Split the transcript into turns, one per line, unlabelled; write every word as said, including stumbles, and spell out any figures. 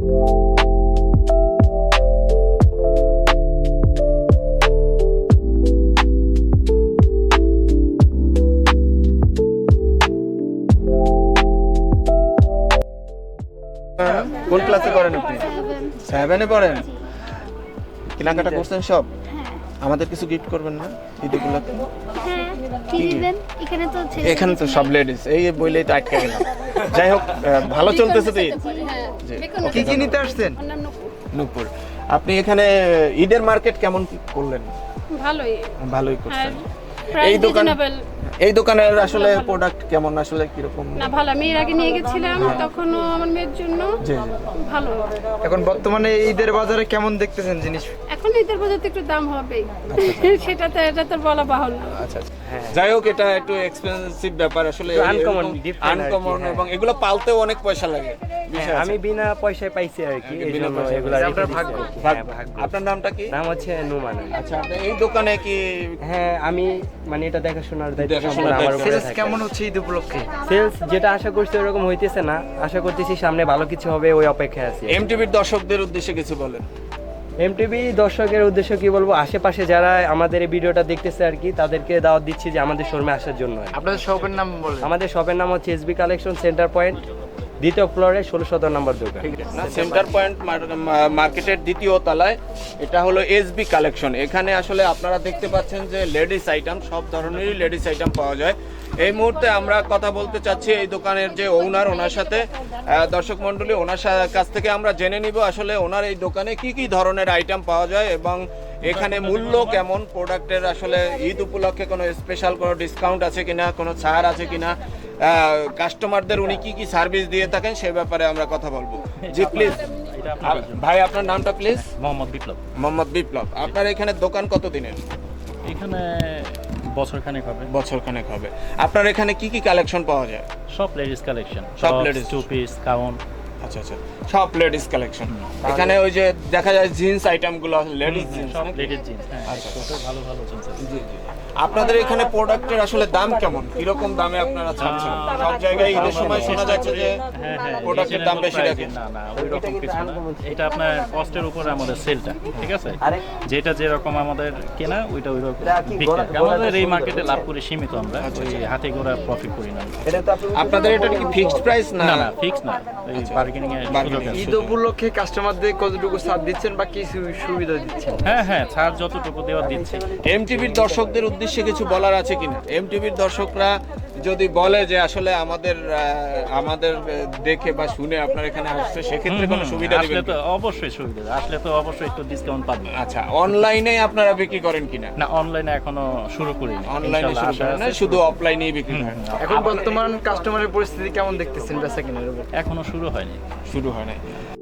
কোন ক্লাসে পড়েন আপনি? সেভেনে পড়েন। কেনাকাটা করছেন সব? আমাদের কিছু গিফট করবেন না ঈদ উপলক্ষে?
হ্যাঁ, কি দিবেন? এখানে তো
এখানে তো সব লেডিস, এই বইলেই তো আটকে গেলাম। যাই হোক, ভালো চলতেছে তো ঈদ। কি কি নিতে আসছেন? নূপুর। আপনি এখানে ঈদের মার্কেট কেমন কি করলেন?
ভালোই
ভালোই করছেন।
এই
এই দোকান
দোকান
এই দোকানের আসলে প্রোডাক্ট কেমন, আসলে কিরকম?
না ভালো, আমি এর আগে নিয়ে গেছিলাম তখনও আমার মেয়ের জন্য
জি জি।
ভালো।
এখন বর্তমানে ঈদের বাজারে কেমন দেখতেছেন জিনিস?
এখন ঈদের বাজার তো একটু দাম হবেই, সেটা তো এটা তো বলা বাহুল্য।
আচ্ছা আচ্ছা। যাই হোক, এটা একটু এক্সপেন্সিভ ব্যাপার আসলে,
আনকমন
আনকমন, এবং এগুলো পালতেও অনেক পয়সা লাগে।
আমি বিনা পয়সায় পাইছি আর কি, এই জন্য এগুলো
আপনার ভাগ্য।
আপনার নামটা কি?
নাম হচ্ছে নুমান।
আচ্ছা, আপনি এই দোকানে কি?
হ্যাঁ, আমি মানে এটা দেখাশোনার দায়িত্ব
দেখাশোনার
সম্পূর্ণ আমার
দায়িত্ব।
উপরে
সেলস
থাকে।
কেমন হচ্ছে ঈদ উপলক্ষে?
সেলস যেটা আশা করছি ওরকম হইতেছে না, আশা করতেছি সামনে ভালো কিছু হবে, ওই অপেক্ষায় আছি।
এমটিভির দর্শকদের উদ্দেশ্যে কিছু বলেন।
এমটিভি দর্শকের উদ্দেশ্য কি বলবো, আশেপাশে যারা আমাদের এই ভিডিওটা দেখতেছে আর কি, তাদেরকে দাওয়াত দিচ্ছি যে আমাদের শোরুমে আসার জন্য আর কি।
আপনাদের শপের নাম বলেন।
আমাদের শপের নাম হচ্ছে এসবি কালেকশন সেন্টার পয়েন্ট, দ্বিতীয় ফ্লোরে ষোলো সতেরো নম্বর দোকান।
না, সেন্টার পয়েন্ট মার্কেটের দ্বিতীয় তলায় এটা হলো এসবি কালেকশন। এখানে আসলে আপনারা দেখতে পাচ্ছেন যে লেডিস আইটেম, সব ধরনেরই লেডিস আইটেম পাওয়া যায়। এই মুহূর্তে আমরা কথা বলতে চাচ্ছি এই দোকানের যে ওনার, ওনার সাথে দর্শক মণ্ডলী, ওনার কাছ থেকে আমরা জেনে নিব আসলে ওনার এই দোকানে কি কি ধরনের আইটেম পাওয়া যায় এবং এখানে মূল্য কেমন, প্রোডাক্টের আসলে ঈদ উপলক্ষে কোনো স্পেশাল কোনো ডিসকাউন্ট আছে কিনা, কোনো ছাড় আছে কিনা, কাস্টমারদের উনি কি কি সার্ভিস দিয়ে থাকেন সে ব্যাপারে আমরা কথা বলবো। জি প্লিজ ভাই, আপনার নামটা প্লিজ?
মোহাম্মদ বিপ্লব।
মোহাম্মদ বিপ্লব। আপনার এখানে দোকান কত দিনের?
এখানে বছর খানেক হবে।
বছর খানেক হবে। আপনার এখানে কি কি কালেকশন পাওয়া যায়?
সব লেডিস কালেকশন,
সব ladies।
Two piece, gown.
আচ্ছা আচ্ছা, সব লেডিস কালেকশন। এখানে ওই যে দেখা যায় জিন্স আইটেম গুলো, লেডিস জিন্স,
সব লেডিস জিন্স। হ্যাঁ,
আচ্ছা।
ছোট ভালো ভালো চলছে।
জি জি। আপনাদের এখানে প্রোডাক্টের আসলে দাম কেমন, কিরকম দামে আপনারা ছাড়ছেন? সব জায়গায় ঈদের সময় শোনা যাচ্ছে যে
হ্যাঁ হ্যাঁ,
প্রোডাক্টের দাম বেশি রাখেন।
না না, ওই রকম কিছু না। এটা আপনার কস্টের উপরে আমাদের সেলটা, ঠিক আছে? যেটা যেরকম আমাদের কেনা ওইটা ওই রকম বিক্রি। আমাদের এই মার্কেটে লাভ করে সীমিত, আমরা ওই হাতে গোড়া প্রফিট করি না।
আপনাদের এটা কি ফিক্সড প্রাইস? না
না না, ফিক্স না, এই বার্গেনিং এর সুযোগ আছে।
ঈদ উপলক্ষে কাস্টমারদের কতটুকু ছাড় দিচ্ছেন বা কি সু- সুবিধা দিচ্ছেন?
হ্যাঁ হ্যাঁ, ছাড় যতটুকু দেওয়া দিচ্ছি।
এমটিভির দর্শকদের উদ্দেশ্যে কিছু বলার আছে কিনা? এমটিভির দর্শকরা যদি বলে যে আসলে আমাদের আহ, আমাদের আহ, দেখে বা শুনে আপনার এখানে আসছে, সেক্ষেত্রে কোনো সুবিধা
আসলে
দিবেন
তো
কিনা?
অবশ্যই সুবিধা, আসলে তো অবশ্যই একটু ডিসকাউন্ট পাবেন।
আচ্ছা, অনলাইনে আপনারা বিক্রি করেন কিনা?
না, অনলাইনে এখনো শুরু করিনি।
অনলাইনে
ইনশাআল্লাহ
শুরু করেন না,
আশা আছে।
শুধু অফলাইনেই বিক্রি করেন।
এখন বর্তমান কাস্টমারের পরিস্থিতি কেমন দেখতেছেন বেচা কেনার উপর?
এখনো শুরু হয়নি।
শুরু হয় নাই।